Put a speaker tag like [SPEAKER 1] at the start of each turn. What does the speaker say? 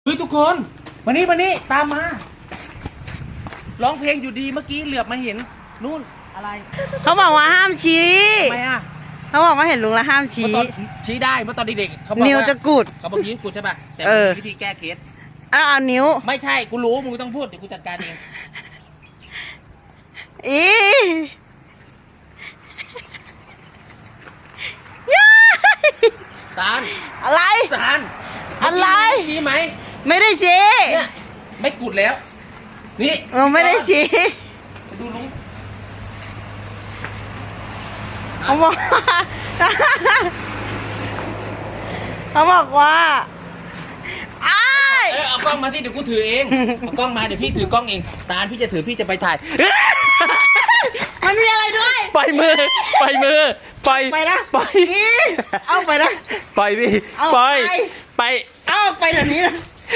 [SPEAKER 1] ฮ้ยทุกคนมานี่ตามมาร้องเพลงอยู่ดีเมื่อกี้เหลือบมาเห็นนู่นอะไร
[SPEAKER 2] เขาบอกว่าห้ามชี้
[SPEAKER 1] ทำไมอ่ะ
[SPEAKER 2] เขาบอกว่าเห็นลุงแล้วห้ามชี้
[SPEAKER 1] ชี้ได้เมื่อตอนเด็กๆเขาบอกว่า
[SPEAKER 2] นิ้วจะกุด
[SPEAKER 1] เขาบอกนิ้วกุดใช่ป่ะแต่วิธีแก้เคส
[SPEAKER 2] เอานิ้ว
[SPEAKER 1] ไม่ใช่กูรู้มึงต้องพูดเดี๋ยวกูจัดการเองตาล
[SPEAKER 2] อะไร
[SPEAKER 1] ตาล
[SPEAKER 2] อะไร
[SPEAKER 1] ชี้ไหม
[SPEAKER 2] ไม่ได้ชี้
[SPEAKER 1] เนี่ยไม่กุดแล้วนี่
[SPEAKER 2] ไม่ได้ชี้
[SPEAKER 1] ดูลุง
[SPEAKER 2] เขาบอกว่า
[SPEAKER 1] เอากล้องมาที่เดี๋ยวกูถือเองเอากล้องมาเดี๋ยวพี่ถือกล้องเองตาลพี่จะถือพี่จะไปถ่าย
[SPEAKER 2] มันมีอะไรด้วย
[SPEAKER 1] ปล่อยมือปล่อย
[SPEAKER 2] นะ
[SPEAKER 1] ปล่อย
[SPEAKER 2] เอาไปนะ
[SPEAKER 1] ปล่อยพี่ปล่อยไป
[SPEAKER 2] เอาไปเดี๋ยวนี้นะ